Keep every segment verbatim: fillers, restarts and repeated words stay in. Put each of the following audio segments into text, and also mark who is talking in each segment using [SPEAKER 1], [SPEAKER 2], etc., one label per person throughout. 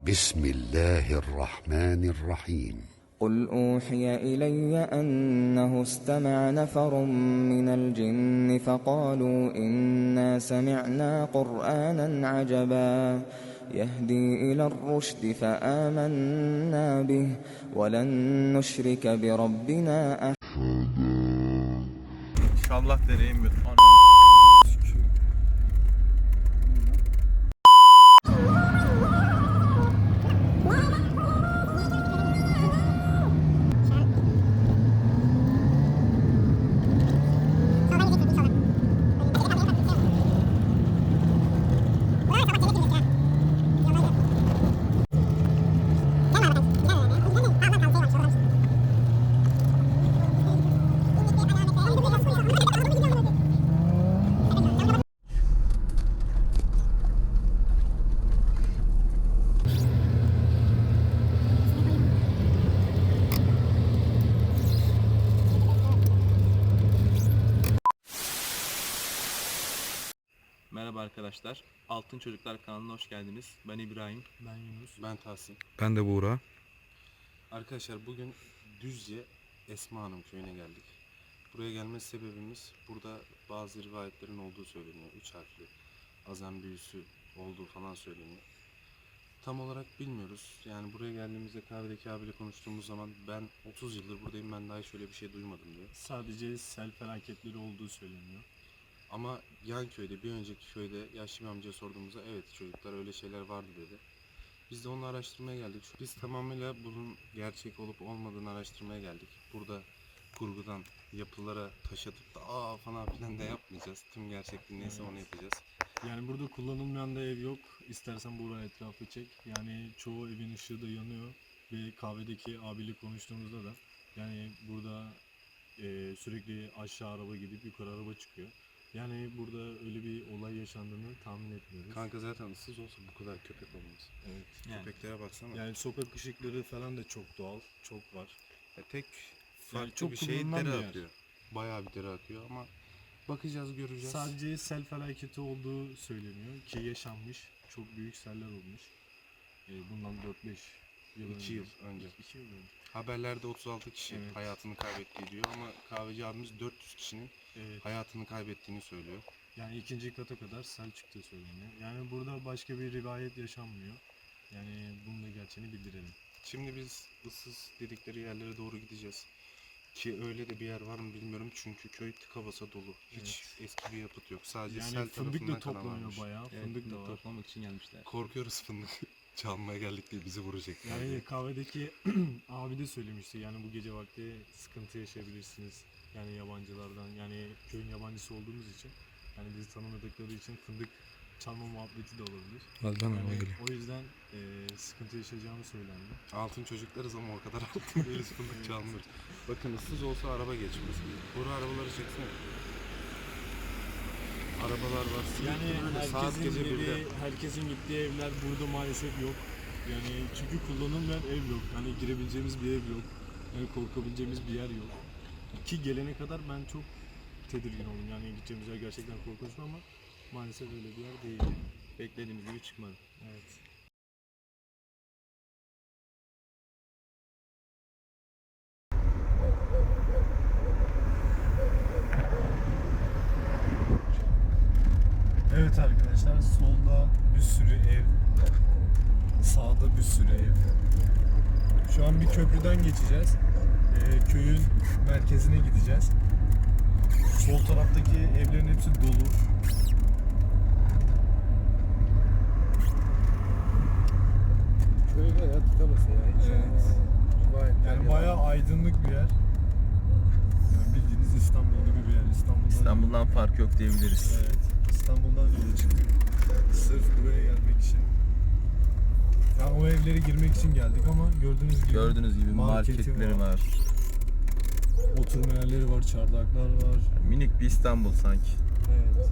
[SPEAKER 1] بسم الله الرحمن الرحيم
[SPEAKER 2] قل أوحي إلي أنه استمع نفر من الجن فقالوا إنا سمعنا قرآنا عجبا يهدي إلى الرشد فآمنا به ولن نشرك بربنا أحدا.
[SPEAKER 3] İnşallah dereyim bir. Merhaba arkadaşlar, Altın Çocuklar kanalına hoş geldiniz. Ben İbrahim.
[SPEAKER 4] Ben Yunus.
[SPEAKER 5] Ben Tahsin.
[SPEAKER 6] Ben de Buğra.
[SPEAKER 5] Arkadaşlar bugün Düzce Esma Hanım köyüne geldik. Buraya gelme sebebimiz burada bazı rivayetlerin olduğu söyleniyor. Üç harfli azan büyüsü olduğu falan söyleniyor. Tam olarak bilmiyoruz. Yani buraya geldiğimizde kahvedeki abiyle konuştuğumuz zaman ben otuz yıldır buradayım, ben daha hiç öyle bir şey duymadım diyor.
[SPEAKER 4] Sadece sel felaketleri olduğu söyleniyor.
[SPEAKER 5] Ama yan köyde, bir önceki köyde yaşlı bir amcaya sorduğumuzda evet çocuklar öyle şeyler vardı dedi. Biz de onu araştırmaya geldik. Biz tamamıyla bunun gerçek olup olmadığını araştırmaya geldik. Burada kurgudan yapılara taş atıp da aa falan filan da yapmayacağız. Tüm gerçekliği neyse
[SPEAKER 4] Evet.
[SPEAKER 5] onu yapacağız.
[SPEAKER 4] Yani burada kullanılmayan da ev yok. İstersen buraya etrafı çek. Yani çoğu evin ışığı da yanıyor. Ve kahvedeki abiyle konuştuğumuzda da yani burada e, sürekli aşağı araba gidip yukarı araba çıkıyor. Yani burada öyle bir olay yaşandığını tahmin etmiyoruz.
[SPEAKER 5] Kanka zaten ıssız olsa bu kadar köpek olmaz.
[SPEAKER 4] Evet.
[SPEAKER 3] Yani.
[SPEAKER 5] Köpeklere baksana.
[SPEAKER 4] Yani sokak ışıkları falan da çok doğal, çok var.
[SPEAKER 5] Ya tek farklı
[SPEAKER 4] çok
[SPEAKER 5] bir şey
[SPEAKER 4] kullanılan
[SPEAKER 5] dere
[SPEAKER 4] bir yer.
[SPEAKER 5] akıyor. Bayağı bir dere akıyor ama bakacağız, göreceğiz.
[SPEAKER 4] Sadece sel felaketi olduğu söyleniyor ki yaşanmış. Çok büyük seller olmuş. E, bundan dört beş yıl önce.
[SPEAKER 5] İki yıl önce.
[SPEAKER 4] İki yıl önce.
[SPEAKER 5] Haberlerde otuz altı kişi
[SPEAKER 4] Evet.
[SPEAKER 5] hayatını kaybettiği diyor ama kahveci abimiz dört yüz kişinin
[SPEAKER 4] Evet.
[SPEAKER 5] hayatını kaybettiğini söylüyor.
[SPEAKER 4] Yani ikinci kata kadar sel çıktığı söyleniyor. Yani burada başka bir rivayet yaşanmıyor. Yani bunun da gerçeğini bildirelim.
[SPEAKER 5] Şimdi biz ıssız dedikleri yerlere doğru gideceğiz. Ki öyle de bir yer var mı bilmiyorum çünkü köy tıka basa dolu. Hiç eski bir yapıt yok. Sadece
[SPEAKER 4] Yani
[SPEAKER 5] sel
[SPEAKER 4] fındık
[SPEAKER 5] tarafından
[SPEAKER 4] da
[SPEAKER 5] kalan
[SPEAKER 4] toplanıyor
[SPEAKER 5] varmış.
[SPEAKER 4] bayağı.
[SPEAKER 3] Evet,
[SPEAKER 4] Fındık da
[SPEAKER 3] fındık
[SPEAKER 4] var.
[SPEAKER 3] toplamak için gelmişler.
[SPEAKER 5] Korkuyoruz fındık çalmaya geldik diye bizi vuracaklar diye.
[SPEAKER 4] Yani kahvedeki abi de söylemişti. Yani bu gece vakti sıkıntı yaşayabilirsiniz. Yani yabancılardan. Yani köyün yabancısı olduğumuz için. Yani bizi tanımadıkları için fındık çalma muhabbeti de olabilir.
[SPEAKER 6] Azdan araba
[SPEAKER 4] Yani
[SPEAKER 6] geliyor.
[SPEAKER 4] o yüzden e, sıkıntı yaşayacağını söylendi.
[SPEAKER 5] Altın çocuklarız ama o kadar altın değiliz, fındık çalmıyoruz. Bakın ıssız olsa araba geçmez. Buru arabaları çeksene. Arabalar var.
[SPEAKER 4] Yani
[SPEAKER 5] Sürekli böyle saat
[SPEAKER 4] herkesin
[SPEAKER 5] gece
[SPEAKER 4] evi,
[SPEAKER 5] birde.
[SPEAKER 4] herkesin gittiği evler burada maalesef yok. Yani çünkü kullanılmayan ev yok. Hani girebileceğimiz bir ev yok. Yani korkabileceğimiz bir yer yok. Ki gelene kadar ben çok tedirgin oldum. Yani gideceğimiz yer gerçekten korkunç ama maalesef öyle bir yer değil.
[SPEAKER 3] Beklediğimiz gibi çıkmadı.
[SPEAKER 4] Evet. Evet arkadaşlar, solda bir sürü ev, sağda bir sürü ev. Şu an bir köprüden geçeceğiz. Ee, köyün merkezine gideceğiz. Sol taraftaki evlerin hepsi dolu.
[SPEAKER 5] Köy bayağı tıka basa ya. Hiç
[SPEAKER 4] Evet.
[SPEAKER 5] Gayet
[SPEAKER 4] Yani bayağı aydınlık bir yer. Yani bildiğiniz İstanbul gibi bir yer. İstanbul'dan,
[SPEAKER 3] İstanbul'dan fark yok diyebiliriz.
[SPEAKER 4] Evet. İstanbul'dan yola çıktık. Sırf buraya gelmek için. Yani o evlere girmek için geldik ama gördüğünüz gibi
[SPEAKER 3] Gördüğünüz gibi
[SPEAKER 4] marketi
[SPEAKER 3] marketleri var.
[SPEAKER 4] oturma yerleri var, çardaklar var.
[SPEAKER 3] Minik bir İstanbul sanki.
[SPEAKER 4] Evet.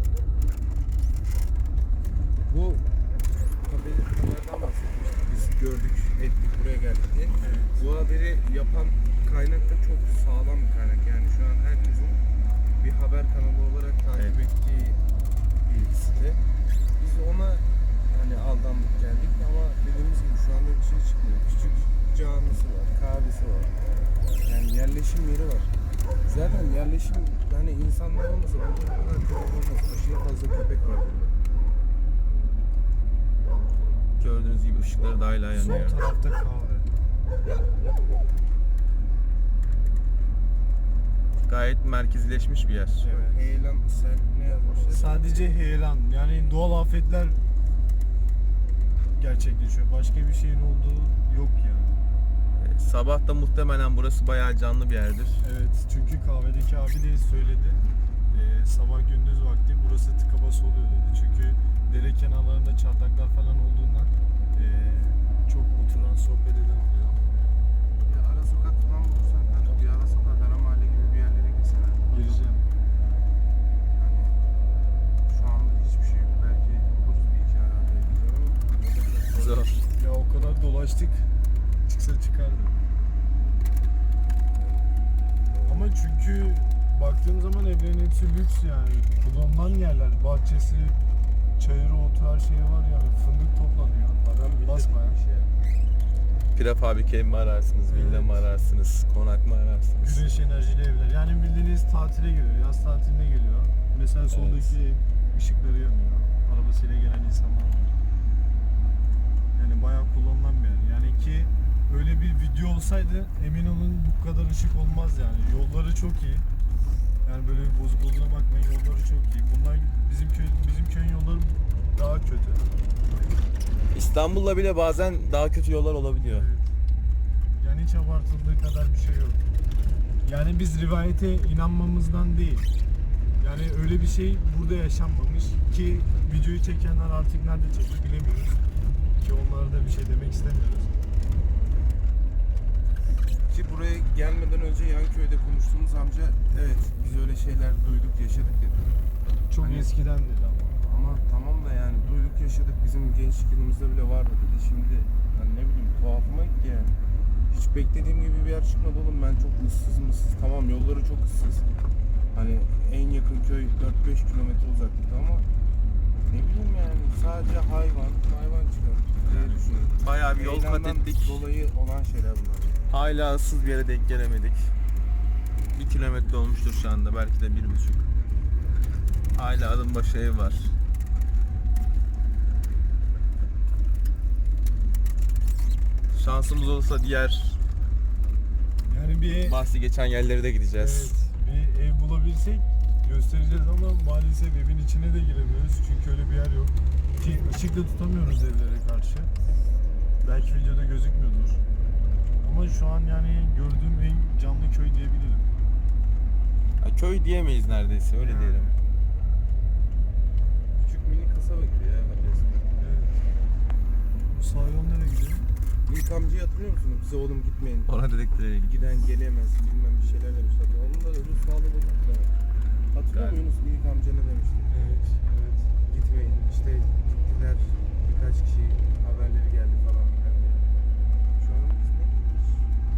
[SPEAKER 5] Bu haberden bahsetmiştik. Biz gördük, ettik, buraya geldik diye. Bu haberi yapan kaynak da çok sağlam bir kaynak. Yani şu an herkesin bir haber kanalı olarak takip
[SPEAKER 3] Evet.
[SPEAKER 5] ettiği bir site. Biz ona hani aldandık geldik ama dediğimiz gibi şu anda yerleşim yani insanlar olmasa burada bu kadar köpek olmaz. Aşırı fazla köpek var burada.
[SPEAKER 3] Gördüğünüz gibi ışıkları da hala yanıyor.
[SPEAKER 4] Sol tarafta kahve.
[SPEAKER 3] Gayet merkezleşmiş bir yer.
[SPEAKER 4] Evet.
[SPEAKER 5] Heyelan sen ne yazmışlar?
[SPEAKER 4] Sadece heyelan, yani doğal afetler gerçekleşiyor. Başka bir şeyin olduğu yok yani.
[SPEAKER 3] Ee, Sabah da muhtemelen burası bayağı canlı bir yerdir.
[SPEAKER 4] Evet, çünkü kahvedeki abi de söyledi. Ee, sabah gündüz vakti burası tıka bas oluyor dedi. Çünkü dere kenarlarında çardaklar falan olduğundan ee, çok oturan, sohbet eden oluyor.
[SPEAKER 5] Ya ara sokak falan bulursan kanka bir ara sokak, ara mahalle gibi bir yerlere gitsene.
[SPEAKER 4] Gireceğim.
[SPEAKER 5] Hani şu anda hiçbir şey yok. Belki buluruz bir iki ara diyeceğim ama o da çok zor.
[SPEAKER 3] Zor.
[SPEAKER 4] Ya o kadar dolaştık, çıksa çıkardı. Ama çünkü baktığım zaman evlerin hepsi lüks yani. Kullanılan yerler, bahçesi, çayırı, otu, her şeyi var yani. Fındık toplanıyor.
[SPEAKER 5] Adam
[SPEAKER 4] Basmaya.
[SPEAKER 5] bir şey.
[SPEAKER 3] Prefabrike mi ararsınız, villa mı
[SPEAKER 4] Evet.
[SPEAKER 3] ararsınız, konak mı ararsınız?
[SPEAKER 4] Güneş enerjili evler. Yani bildiğiniz tatile geliyor, yaz tatiline geliyor. Mesela soldaki ev ışıkları yanıyor. Arabasıyla gelen insanlar var. Yani bayağı kullanılan bir yer. Yani ki öyle bir video olsaydı emin olun bu kadar ışık olmaz yani. Yolları çok iyi. Yani böyle bir bozuk olduğuna bakmayın, yolları çok iyi. Bunlar bizim köy bizim köyün yolları daha kötü.
[SPEAKER 3] İstanbul'la bile bazen daha kötü yollar olabiliyor.
[SPEAKER 4] Evet. Yani hiç abartıldığı kadar bir şey yok. Yani biz rivayete inanmamızdan değil. Yani öyle bir şey burada yaşanmamış ki videoyu çekenler artık nerede çekti bilemiyoruz. Ki onlara da bir şey demek istemiyoruz.
[SPEAKER 5] Ki buraya gelmeden önce yan köyde konuştuğumuz amca evet biz öyle şeyler duyduk yaşadık dedi.
[SPEAKER 4] Çok
[SPEAKER 5] Hani-
[SPEAKER 4] eskiden dedi ama.
[SPEAKER 5] Ama tamam da yani duyduk yaşadık bizim gençlik yılımızda bile vardı dedi. Şimdi hani ne bileyim tuhafıma gitti yani. Hiç beklediğim gibi bir yer çıkmadı oğlum, ben çok ıssız mısız, tamam yolları çok ıssız. Hani en yakın köy dört beş kilometre uzaklıkta ama ne bileyim yani sadece hayvan hayvan çıkar diye düşünüyorum.
[SPEAKER 3] Bayağı bir yol kat
[SPEAKER 5] Heyelandan
[SPEAKER 3] ettik.
[SPEAKER 5] dolayı olan şeyler bunlar.
[SPEAKER 3] Hala ıssız bir yere denk gelemedik. Bir kilometre olmuştur şu anda, belki de bir buçuk. Hala adım başı ev var. Şansımız olursa diğer
[SPEAKER 4] Yani bir
[SPEAKER 3] bahsi geçen yerlere de gideceğiz.
[SPEAKER 4] evet, bir ev bulabilsek göstereceğiz ama maalesef evin içine de giremiyoruz çünkü öyle bir yer yok. Ki ışık da tutamıyoruz evlere karşı. Belki videoda gözükmüyordur. Ama şu an yani gördüğüm en canlı köy diyebilirim.
[SPEAKER 3] Ha, köy diyemeyiz neredeyse, öyle
[SPEAKER 5] Yani.
[SPEAKER 3] diyelim.
[SPEAKER 5] Küçük mini kasaba gibi ya resmen.
[SPEAKER 4] Evet. Bu sağ yol nereye gidiyor?
[SPEAKER 5] İlk amcayı hatırlıyor musunuz? Bize oğlum gitmeyin.
[SPEAKER 3] Ona dedikleri
[SPEAKER 5] Giden gelemez bilmem bir şeyler demişler. Onun da öbür sağlığı bozuldu da. Hatırlıyor
[SPEAKER 3] Galiba.
[SPEAKER 5] musunuz ilk amca ne demişti?
[SPEAKER 4] Evet, evet.
[SPEAKER 5] Gitmeyin işte gittiler birkaç kişi haberleri geldi falan filan diye. Şu an biz ne biliriz?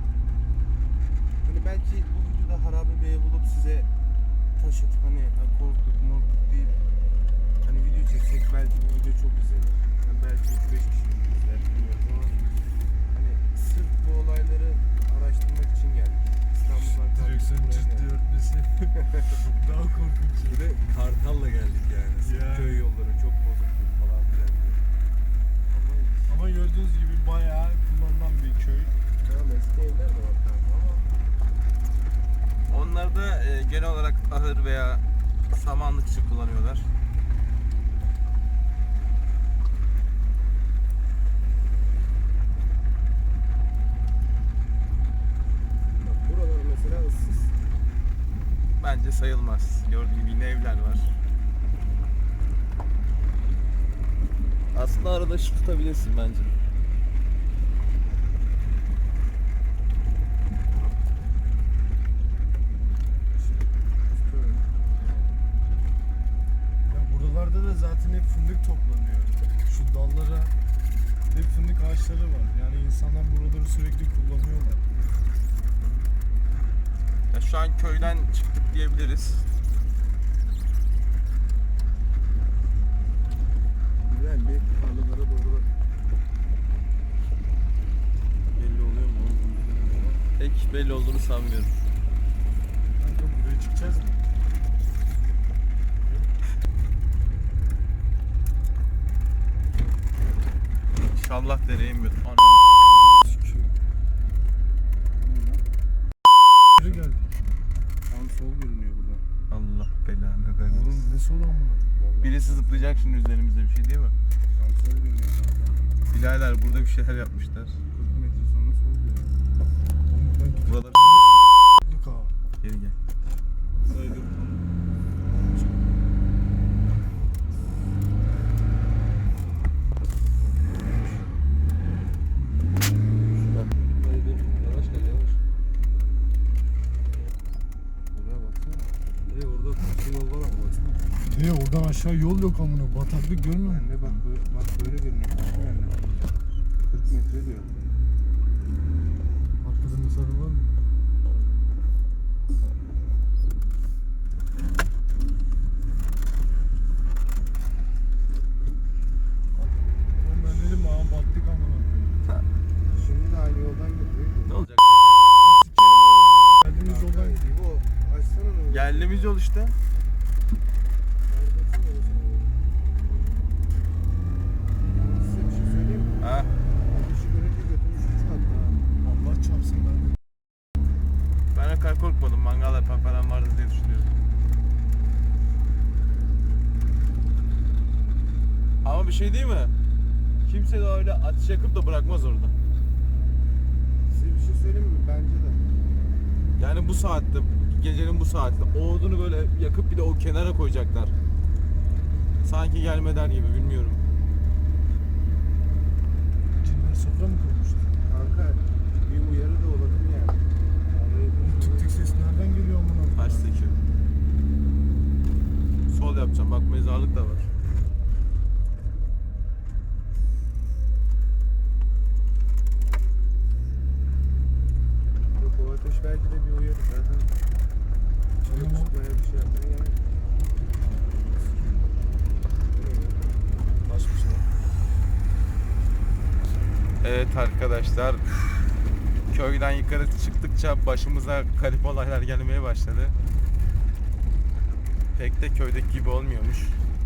[SPEAKER 5] Hani belki bu videoda harabe bir ev bulup size taş atıp hani "Ha, korktuk morktuk" deyip hani video çeksek belki bu video çok izlenir. Yani belki üç beş kişi izler bilmiyorum ama hani sırf bu olayları araştırmak için geldik. İstanbul'dan kalkıp
[SPEAKER 4] Direksiyon
[SPEAKER 5] buraya
[SPEAKER 4] ciddi
[SPEAKER 5] geldik.
[SPEAKER 4] örtmesi. Daha korkunç.
[SPEAKER 5] Bir de Kartal'la geldik yani. Sırf
[SPEAKER 4] Ya.
[SPEAKER 5] köy yolları çok bozuk falan filan diye. Ama
[SPEAKER 4] Ama gördüğünüz gibi bayağı kullanılan bir köy.
[SPEAKER 5] tamam eski evler de var kanka ama
[SPEAKER 3] Onlar da e, genel olarak ahır veya samanlık için kullanıyorlar.
[SPEAKER 5] bak buralar mesela ıssız.
[SPEAKER 3] Bence sayılmaz. Gördüğün gibi yine evler var. Aslında arada ışık tutabilirsin bence.
[SPEAKER 5] Tutuyorum.
[SPEAKER 4] Ya buralarda da zaten hep fındık toplanıyor. Şu dallara hep fındık ağaçları var. Yani insanlar buraları sürekli kullanıyorlar.
[SPEAKER 3] Ya şu an köyden çıktık diyebiliriz.
[SPEAKER 5] Güzel bir tarlalara doğru bak. Belli oluyor mu?
[SPEAKER 3] Pek belli olduğunu sanmıyorum.
[SPEAKER 4] Kanka buraya çıktık. Gideceğiz mi?
[SPEAKER 3] İnşallah dereye inmiyor. Anam.
[SPEAKER 4] Nereye geldik?
[SPEAKER 5] Tam sol görünüyor burada.
[SPEAKER 3] Allah belanı versin.
[SPEAKER 4] Oğlum ne sol amına?
[SPEAKER 3] Birisi zıplayacak şimdi üzerimizde, bir şey değil mi?
[SPEAKER 5] Tam sol görünüyor.
[SPEAKER 3] Birader burada bir şeyler yapmışlar.
[SPEAKER 5] kırk metre sonra sol görünüyor.
[SPEAKER 4] Oğlum ben
[SPEAKER 3] Buralar
[SPEAKER 4] gittik ha.
[SPEAKER 3] geri gel.
[SPEAKER 4] Saydım.
[SPEAKER 5] Yavaş gel yavaş. Buraya baksana. Hey orada bir yol var ama baksana.
[SPEAKER 4] Niye oradan aşağı yol yok amına? Bataklık görmüyor musun?
[SPEAKER 5] Anne bak böyle, bak böyle görünüyor. Baksana anne. kırk metre diyor.
[SPEAKER 4] Arkada mesafe var mı? Oğlum ben dedim ağam battık amına.
[SPEAKER 5] Şimdi de aynı yoldan gidiyor.
[SPEAKER 3] Ne olacak?
[SPEAKER 4] Geldiğimiz yoldan gidiyor.
[SPEAKER 5] Bu açsana ne olur.
[SPEAKER 3] Geldiğimiz yol işte.
[SPEAKER 5] Ben size bir şey söyleyeyim mi?
[SPEAKER 3] Ha.
[SPEAKER 5] Ateşi görünce götümüz üç kattı ha.
[SPEAKER 4] Allah çarpsın ben.
[SPEAKER 3] Ben o kadar korkmadım. Mangal yapan falan vardı diye düşünüyorum. Ama bir şey değil mi? Kimse de öyle ateş yakıp da bırakmaz orada.
[SPEAKER 5] Size bir şey söyleyeyim mi? Bence de.
[SPEAKER 3] Yani bu saatte, gecenin bu saatte o odunu böyle yakıp bir de o kenara koyacaklar. Sanki gelmeden gibi, bilmiyorum.
[SPEAKER 4] Cinler sofra mı kurmuştu?
[SPEAKER 5] Kanka bir uyarı da olabilir yani.
[SPEAKER 4] Oğlum tık tık ses nereden geliyor amına?
[SPEAKER 3] Karşıdaki. Sol yapacağım. Bak mezarlık da var.
[SPEAKER 5] Yok o ateş belki de bir uyarı. Zaten çocuk
[SPEAKER 4] Tamam.
[SPEAKER 5] tutmaya bir şey yapmaya gerek yok.
[SPEAKER 4] Başmış lan.
[SPEAKER 3] Evet arkadaşlar. Köyden yukarı çıktıkça başımıza garip olaylar gelmeye başladı. Pek de köydeki gibi olmuyormuş.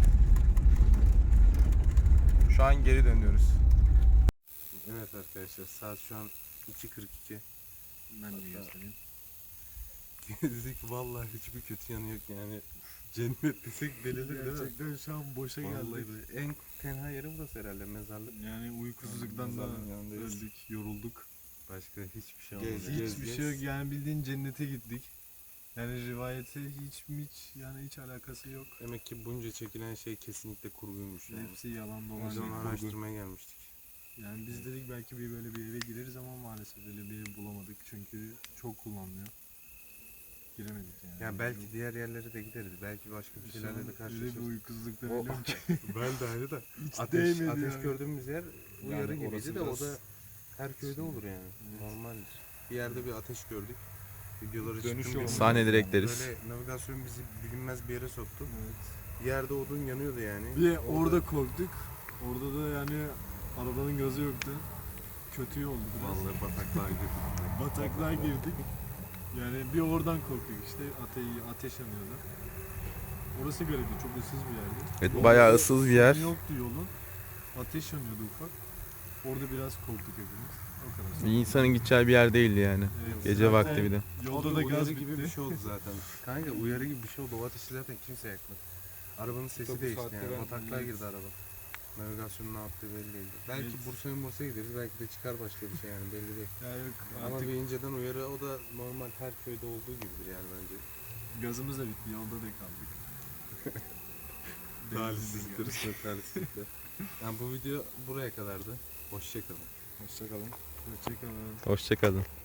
[SPEAKER 3] Şu an geri dönüyoruz.
[SPEAKER 5] Evet arkadaşlar saat şu an iki kırk iki.
[SPEAKER 4] Ben
[SPEAKER 5] de
[SPEAKER 4] göstereyim.
[SPEAKER 5] Gezdik vallahi hiçbir kötü yanı yok yani. Cennet desek delilir değil mi?
[SPEAKER 4] Gerçekten şu an boşa
[SPEAKER 5] Vallahi
[SPEAKER 4] geldik.
[SPEAKER 5] böyle. En tenha yeri burası herhalde mezarlık.
[SPEAKER 4] Yani uykusuzluktan da
[SPEAKER 5] Mezarlığın yanındayız.
[SPEAKER 4] öldük, yorulduk.
[SPEAKER 5] Başka hiçbir şey
[SPEAKER 3] Gez,
[SPEAKER 5] olmadı.
[SPEAKER 3] gez.
[SPEAKER 4] Hiçbir şey yok yani bildiğin cennete gittik. Yani rivayete hiç mi hiç yani hiç alakası yok.
[SPEAKER 5] Demek ki bunca çekilen şey kesinlikle kurguymuş yani.
[SPEAKER 4] Hepsi yalan dolan.
[SPEAKER 5] Biz onu
[SPEAKER 4] kurgu.
[SPEAKER 5] araştırmaya gelmiştik.
[SPEAKER 4] Yani biz dedik belki bir böyle bir eve gireriz ama maalesef öyle bir ev bulamadık çünkü çok kullanılıyor. Giremedik yani.
[SPEAKER 5] Ya belki diğer yerlere de gideriz. Belki başka bir şeylerle de
[SPEAKER 4] Öyle bir
[SPEAKER 5] karşılaşırız.
[SPEAKER 4] uykusuzluktan
[SPEAKER 5] O-
[SPEAKER 4] ölüyorum ki.
[SPEAKER 5] Ben de aynı da.
[SPEAKER 4] Hiç
[SPEAKER 5] Ateş,
[SPEAKER 4] değmedi
[SPEAKER 5] ateş
[SPEAKER 4] yani.
[SPEAKER 5] gördüğümüz yer uyarı
[SPEAKER 4] Yani
[SPEAKER 5] gibiydi
[SPEAKER 4] orası
[SPEAKER 5] de o
[SPEAKER 4] biraz-
[SPEAKER 5] da her köyde olur yani.
[SPEAKER 4] Evet.
[SPEAKER 5] Normaldir. Bir yerde bir ateş gördük. Videoları
[SPEAKER 4] Dönüş
[SPEAKER 5] çıktım.
[SPEAKER 4] yolu.
[SPEAKER 5] bir-
[SPEAKER 3] Sahne direkleriz.
[SPEAKER 5] Böyle navigasyon bizi bilinmez bir yere soktu.
[SPEAKER 4] Evet.
[SPEAKER 5] Bir yerde odun yanıyordu yani.
[SPEAKER 4] Bir orada korktuk. Orada da yani arabanın gazı yoktu. Kötü oldu biraz.
[SPEAKER 5] Vallahi bataklığa girdik.
[SPEAKER 4] Bataklığa girdik. Yani bir oradan korktuk işte ate ateş yanıyordu. Orası garipti, çok ıssız bir yerdi.
[SPEAKER 3] Evet,
[SPEAKER 4] Yolda
[SPEAKER 3] bayağı ıssız bir yer.
[SPEAKER 4] sorun yoktu yolun. Ateş yanıyordu ufak. Orada biraz korktuk hepimiz. O kadar.
[SPEAKER 3] Bir insanın gideceği bir yer değildi yani.
[SPEAKER 4] Evet,
[SPEAKER 3] Gece
[SPEAKER 4] zaten
[SPEAKER 3] vakti bir de.
[SPEAKER 4] Yolda
[SPEAKER 5] O
[SPEAKER 4] da gaz
[SPEAKER 5] uyarı gibi
[SPEAKER 4] bitti.
[SPEAKER 5] bir şey oldu zaten. Kanka uyarı gibi bir şey oldu. O ateşi zaten kimse yakmadı. Arabanın sesi
[SPEAKER 4] Tabii bu
[SPEAKER 5] değişti
[SPEAKER 4] saatte
[SPEAKER 5] yani.
[SPEAKER 4] ben-
[SPEAKER 5] Bataklığa
[SPEAKER 4] evet.
[SPEAKER 5] girdi araba. Navigasyonun ne yaptığı belli değil. Belki
[SPEAKER 4] Evet.
[SPEAKER 5] Bursa'ya Bursa'ya gideriz. Belki de çıkar başka bir şey yani belli değil.
[SPEAKER 4] Ya yok,
[SPEAKER 5] Ama
[SPEAKER 4] artık
[SPEAKER 5] bir inceden uyarı o da normal her köyde olduğu gibidir yani bence.
[SPEAKER 4] gazımız da bitti, yolda da kaldık.
[SPEAKER 5] Talihsizliktir. Talihsizliktir. Yani bu video buraya kadardı. Hoşçakalın.
[SPEAKER 4] Hoşçakalın. Hoşçakalın.
[SPEAKER 3] Hoşçakalın.